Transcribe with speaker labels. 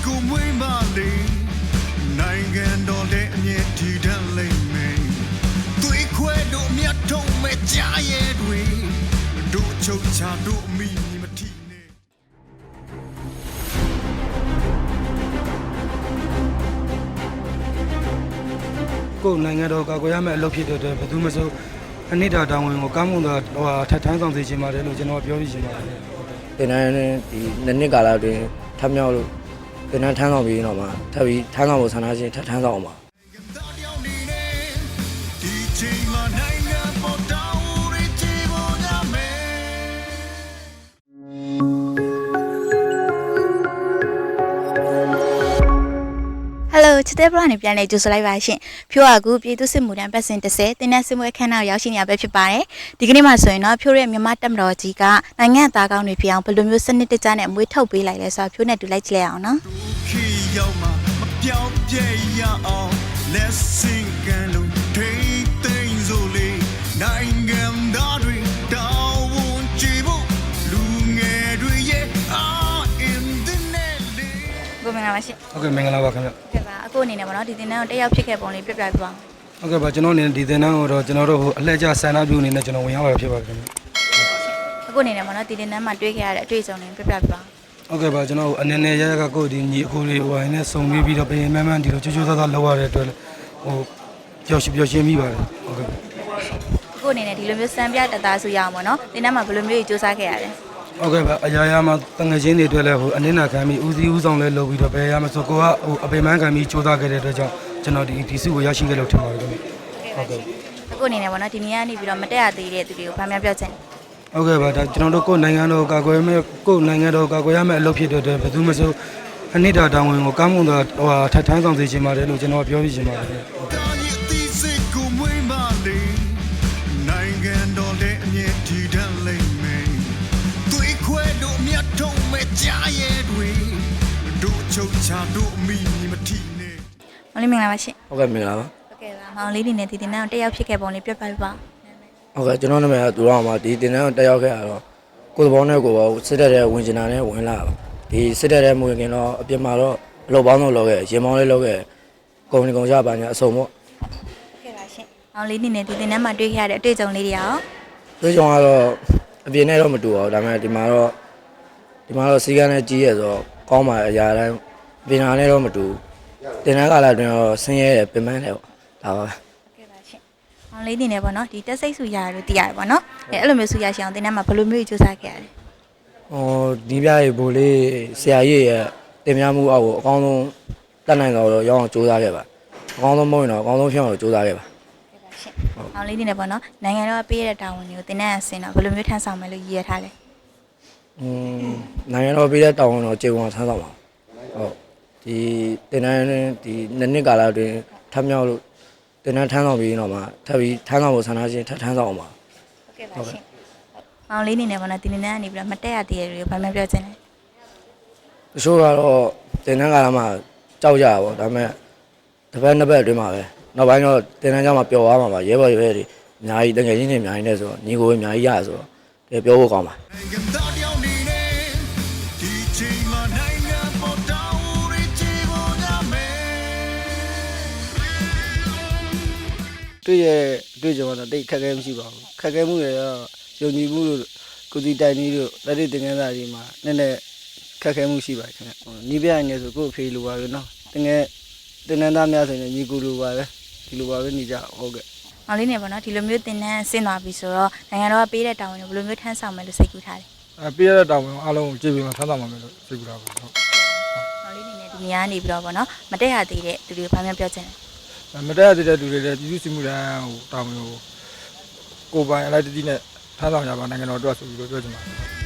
Speaker 1: ကိုမွေးမလေးနိုင်ငံတော်ရဲ့အမြင့်တည်တတ်လိမ့်မယ်သွေးခွဲတို့မြတ်ထုံးမဲ့ကြားရဲတွေတို့ချုပ်ချတို့အမိမထီနဲ့
Speaker 2: ကိုယ်နိုင်ငံတော်ကာကွယ်ရမယ့်အလုပ်ဖြစ်တဲ့အတွက်ဘယ်သူမှမဆိုအနိဒာတောင်းဝင်ကိုကောင်းမွန်စွာထပ်ထမ်းဆောင်စေချင်ပါတယ်လို့ကျွန်တော်ပြောပြချင်ပါတယ်
Speaker 3: ။တင်တန်းဒီနှစ်ကာလအတွင်းထပ်မြောက်လို့တင်တန်းထမ်းဆောင်ပြီးတော့မှထပ်ပြီးထမ်းဆောင်ဖို့ဆန္ဒရှင်ထပ်ထမ်းဆောင်အောင်ပါ
Speaker 4: Hello ချစ်တဲ့ဘလော့နဲ့ပြန်လည်ကြိုဆိုလိုက်ပါရှင်ဖြိုးအခုပြည်သူ့စစ်မှုထမ်းပတ်စဉ်30တင်းနဲ့စစ်မှုအခမ်းအနားရောက်ရှိနေရပဲဖြစ်ပါတယ်ဒီကနေ့မှဆိုရင်တော့ဖြိုးရဲ့မြန်မာတပ်မတော်ကြီးကနိုင်ငံသားကောင်းတွေဖြစ်အောင်ဘယ်လိုမျိုးစနစ်တကျနဲ့အမွေးထုတ်ပေးလိုက်လဲဆိုတော့ဖြိုးနဲ့တူလိုက်ကြည့်လိုက်အောင်နော်
Speaker 1: ပြောင်းပြဲရအောင် Let's sing and look things only နိုင်ငံသားတွေတောင်းဝန်ကြည့်ဖို့လူငယ်တွေရဲ့ in the net
Speaker 4: ကိုမင်္ဂလာပါရှင်
Speaker 2: ဟုတ်ကဲ့မင်္ဂလာပါခင်ဗျ
Speaker 4: ဟုတ်ကဲ့ပါအခုအနေနဲ့ပေါ့နော်ဒီတင်တန်းကိုတက်ရောက်ဖြစ်ခဲ့ပုံလေးပြပြပြပါ
Speaker 2: ဟုတ်ကဲ့ပါကျွန်တော်အနေနဲ့ဒီတင်တန်းကိုတော့ကျွန်တော်တို့အလှည့်ကျဆန္ဒပြုအနေနဲ့ကျွန်တော်ဝင်ရောက်ရဖြစ်ပါတယ်ခင်ဗျ
Speaker 4: အခုအနေနဲ့ပေါ့နော်ဒီတင်တန်းမှာတွေ့ခဲ့ရတဲ့အတွေ့အကြုံလေးပြပြပြပါ
Speaker 2: ဟုတ်ကဲ့ပါကျွန်တော်အနေနဲ့ရရကကိုဒီညီအခုလေးဟိုင်းနဲ့စုံပြီးတော့ပြင်မှန်းမှန်းဒီလိုချိုးချိုးသားသားလောက်ရတဲ့အတွက်ဟိုပျော်ရွှင်မိပါတယ်ဟုတ်ကဲ့
Speaker 4: အခုအနေနဲ့ဒီလိုမျိုးစံပြတသားစုရအောင်ပေါ့နော်တင်တန်းမှာဘယ်လိုမျိုးကြီးစူးစမ်းခဲ့ရလဲ
Speaker 2: ဟုတ်ကဲ့ပါအရာမှာတငယ်ချင်းတွေအတွက်လည်းဟိုအနစ်နာခံပြီးဦးစီးဦးဆောင်လဲလုပ်ပြီးတော့ဘယ်ရမှာဆိုကိုကဟိုအပိမှန်းခံပြီးစူးစမ်းခဲ့တဲ့အတွက်ကြောင့်ကျွန်တော်ဒီစုကိုရရှိခဲ့လို့ထင်ပါတယ်ခင်ဗျ
Speaker 4: ဟုတ်ကဲ့အခုအနေနဲ့ပေါ့နော်ဒီနေ့ကနေပြီးတော့မတက်ရသေးတဲ့သူတွေကိုဗာများပြောချင်
Speaker 2: ဟုတ်ကဲ့ပါဒါကျွန်တော်တို့ကိုယ်နိုင်ငံတော်ကာကွယ်မဲ့ကိုယ်နိုင်ငံတော်ကာကွယ်ရမယ့်အလုပ်ဖြစ်တဲ့အတွက်ဘယ်သူမှမဆိုအနိဒာတောင်းဝင်ကိုကောင်းမွန်စွာထပ်ထမ်းဆောင်စေချင်ပါတယ်လို့ကျွန်တော်ပြောပြချင်ပါတယ်
Speaker 1: နိုင်ငံတော်ရဲ့အမြင့်တည်တတ်လိမ့်မယ်သွေးခွဲတို့မြတ်ထုံးမဲ့ကြားရဲတွေတို့ချုပ်ချတို့အမိမထီနဲ့
Speaker 4: မောင်လေးမင်္ဂလာပါရှင်
Speaker 3: ဟုတ်ကဲ့မင်္ဂလာပါ
Speaker 4: ဟုတ်ကဲ့ပါမောင်လေးနေနဲ့ဒီတင်တန်းကိုတက်ရောက်ဖြစ်ခဲ့ပုံလေးပြပြပါ
Speaker 3: ဟုတ်ကဲ့ကျွန်တော်နာမည်ကသူတော်မှာဒီတင်တန်းကိုတက်ရောက်ခဲ့ရတော့ကိုယ်သဘောနဲ့ကိုယ်စစ်တပ်တဲ့ဝင်ကျင်တာနဲ့ဝင်လာပါဒီစစ်တပ်တဲ့မဝင်ခင်တော့အပြင်မှာတော့အလုပ်ပေါင်းတော့လုပ်ခဲ့ရင်မောင်းလေးလုပ်ခဲ့ကုမ္ပဏီကောင်ကြပါညာအစုံပေါ့
Speaker 4: ဟုတ်ကဲ့ပါရှင်မောင်လေးနေနဲ့ဒီတင်တန်းမှာတွေ့ခဲ့ရတဲ့အတွေ့အကြုံလေးတွေရော
Speaker 3: တွေ့ကြုံကတော့အပြင်နဲ့တော့မတူပါဘူးဒါပေမဲ့ဒီမှာတော့စီကန်းနဲ့ကြီးရဲဆိုတော့ကောင်းပါအရာတိုင်းပြင်နာနဲ့တော့မတူတင်တန်းကာလအတွင်းတော့ဆင်းရဲတယ်ပင်ပန်းတယ်ပေါ့ဒါပါပဲ
Speaker 4: မောင်လေးနေနဲ့ပေါ့နော်ဒီတက်စိတ်ဆူရလို့သိရတယ်ပေါ့နော်အဲ့လိုမျိုးဆူရရှိအောင်တင်တန်းမှာဘယ်လိုမျိုးကြီးစူးစမ်းခဲ့ရလဲ
Speaker 3: ဒီပြရေဘိုးလေးဆရာကြီးရဲ့တင်များမှုအောက်ကိုအကောင်းဆုံးတတ်နိုင်တော့ရောင်းအောင်စူးစမ်းခဲ့ပါအကောင်းဆုံးမဟုတ်ရင်တော့အကောင်းဆုံးဖြစ်အောင်စူးစမ်းခဲ့ပါ
Speaker 4: မောင်လေးနေနဲ့ပေါ့နော်နိုင်ငံတော်ပေးရတဲ့တာဝန်တွေကိုတင်တန်းအစင်တော့ဘယ်လိုမျိုးထမ်းဆောင်မယ်လို့ရည်ရထားလဲ
Speaker 3: နိုင်ငံတော်ပေးတဲ့တာဝန်တော့ကျေဝန်ထမ်းဆောင်ပါဟုတ်ဒီတင်တန်းဒီနှစ်ကာလအတွင်းထပ်မြောက်လို့တင်တန်းထမ်းဆောင်ပြီးတော့မှထပ်ပြီးထမ်းဆောင်ဖို့ဆန္ဒရှင်ထပ်ထမ်းဆောင်အောင်ပါ
Speaker 4: ဟုတ်ကဲ့ပါရှင်မောင်လေးနေနဲ့ပေါ့နော်ဒီနေ့နဲ့ကနေပြီးတော့မတက်ရသေးတဲ့တွေကိုဗာမှပြောချင်တယ်
Speaker 3: တချို့ကတော့တင်တန်းကာလမှာကြောက်ကြတာပေါ့ဒါပေမဲ့တစ်ပတ်နှစ်ပတ်အတွင်းမှာပဲနောက်ပိုင်းတော့တင်တန်းကြောင့်မှပျော်သွားမှာပါရဲဘော်တွေအများကြီးတကယ်ချင်းတွေအများကြီးနဲ့ဆိုတော့ညီကိုအများကြီးရဆိုတော့တကယ်ပြောဖို့ကောင်းပါ
Speaker 2: တွေ့ရတွေ့ကြတော့တိတ်ခက်ခဲမရှိပါဘူးခက်ခဲမှုတွေတော့ယုံကြည်မှုတို့ကိုစီတိုင်ကြီးတို့လက်တွေတင်ငန်းစာကြီးမှာနည်းနည်းခက်ခဲမှုရှိပါခင်ဗျနီးပြနေဆိုကို့အဖေလိုပါပဲနော်တကယ်တင်နန်းသားများဆိုရင်ညီကူလိုပါပဲဒီလိုပါပဲနေကြဟုတ်ကဲ့
Speaker 4: မောင်လေးနေပေါ့နော်ဒီလိုမျိုးတင်တန်းဆင်းသွားပြီဆိုတော့နိုင်ငံတော်ကပေးတဲ့တာဝန်ကိုဘယ်လိုမျိုးထမ်းဆောင်မယ်လို့စိတ်ကူးထားလဲ
Speaker 2: ပေးရတဲ့တာဝန်အားလုံးကိုကြည့်ပြီးမှထမ်းဆောင်မှာမယ်လို့စိတ်ကူးထားပါဟုတ်
Speaker 4: မောင်လေးနေနဲ့ဒီနေရာနေပြီးတော့ပေါ့နော်မတက်ရသေးတဲ့သူတွေကိုဗာများပြောချင်တယ်
Speaker 2: မတက်ရသေးတဲ့သူတွေလည်းပြည်သူ့စစ်မှုထမ်းဟိုတာဝန်ကိုပိုင်အလိုက်တတိနဲ့ထမ်းဆောင်ကြပါနိုင်ငံတော်အတွက်ဆိုပြီးပြောချင်ပါတယ်